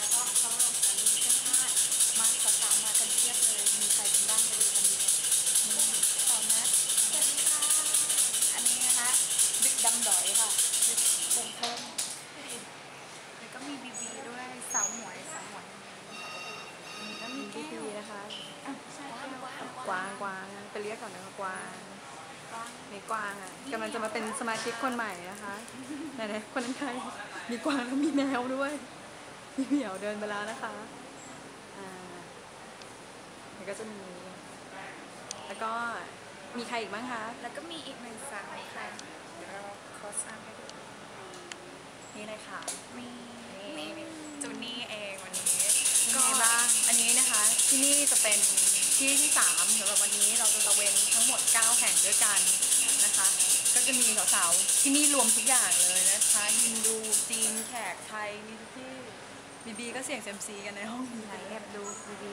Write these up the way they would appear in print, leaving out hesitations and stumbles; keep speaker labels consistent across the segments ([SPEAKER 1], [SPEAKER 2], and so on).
[SPEAKER 1] แล้วก็เขาลงกันมีเสื้อผ้ามาสาวๆมากันเทียบเลยมีใครเป็นบ้างไปดูกันดีมีสาวนัทสวัสดีค่ะอันนี้นะคะดึกดำดอยค่ะดึกลงเพิ่มแล้วก็มีบีบีด้วยสาวหมวยอันนี้ก็มีแก้ว
[SPEAKER 2] นะคะ
[SPEAKER 1] ใช่
[SPEAKER 2] กวางไปเรียกก่อนนะคะกวางมีกวางอ่ะกำลังจะมาเป็นสมาชิกคนใหม่นะคะไหนๆคนนั้นใครมีกวางแล้วมีแมวด้วยมีเหมียวเดินไปแล้วนะคะแล้วก็จะมีแล้วก็มีใครอีกบ้างคะ
[SPEAKER 1] แล้วก็มีอีกหนึ่งสาวค่ะเดี๋ยวเราขอสร้างให้ดู
[SPEAKER 2] นี่เลยค่ะ
[SPEAKER 1] มีจูนี่เองวันนี้
[SPEAKER 2] ก็บ้างอันนี้นะคะที่นี่จะเป็นที่ที่3สำหรับวันนี้เราจะตะเวนทั้งหมด9แห่งด้วยกันนะคะก็จะมีสาวๆที่นี่รวมทุกอย่างเลยนะคะฮินดูจีนแขกไทยมีทุกที่บีก็เสี่ยงเซมซีกันในห้องนี้
[SPEAKER 1] ไหนแอบดูบี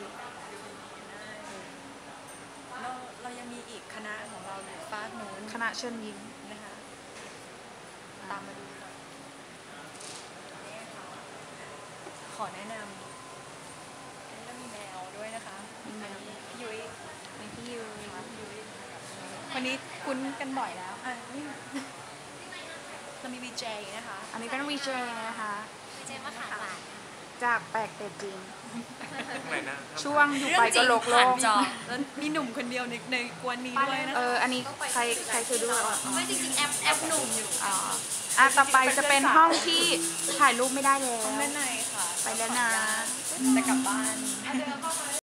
[SPEAKER 2] เรายังมีอีกคณะของเราอยู่ฟากนู้น
[SPEAKER 1] คณะเชิญยิ้ม
[SPEAKER 2] นะคะตามมาดูก่อนขอแนะนำแล้วมีแมวด้วยนะคะ
[SPEAKER 1] มีแมว
[SPEAKER 2] พี่ยุ้ย
[SPEAKER 1] มีพี่ยุ้ย
[SPEAKER 2] วันนี้คุ้นกันบ่อยแล้วนี่เรามีวีเจนะคะ
[SPEAKER 1] อันนี้เป็นวีเจนะคะ
[SPEAKER 3] วีเจมาขายบาท
[SPEAKER 1] จากแปลกแต่จริง
[SPEAKER 4] อะไรนะ
[SPEAKER 1] ช่วงอยู่ไปก็โลก
[SPEAKER 2] แล้วมีหนุ่มคนเดียวในกวนนี้ด้วยนะคะ
[SPEAKER 1] อันนี้ใครคือด้วย
[SPEAKER 3] ไม่จริงๆแอปหนุ่มอยู่
[SPEAKER 1] ต่อไปจะเป็นห้องที่ถ่ายรูปไม่ได้แล้ว
[SPEAKER 2] ห้องด้านในค่ะ
[SPEAKER 1] ไปแล้วนะ
[SPEAKER 2] จะกลับบ้าน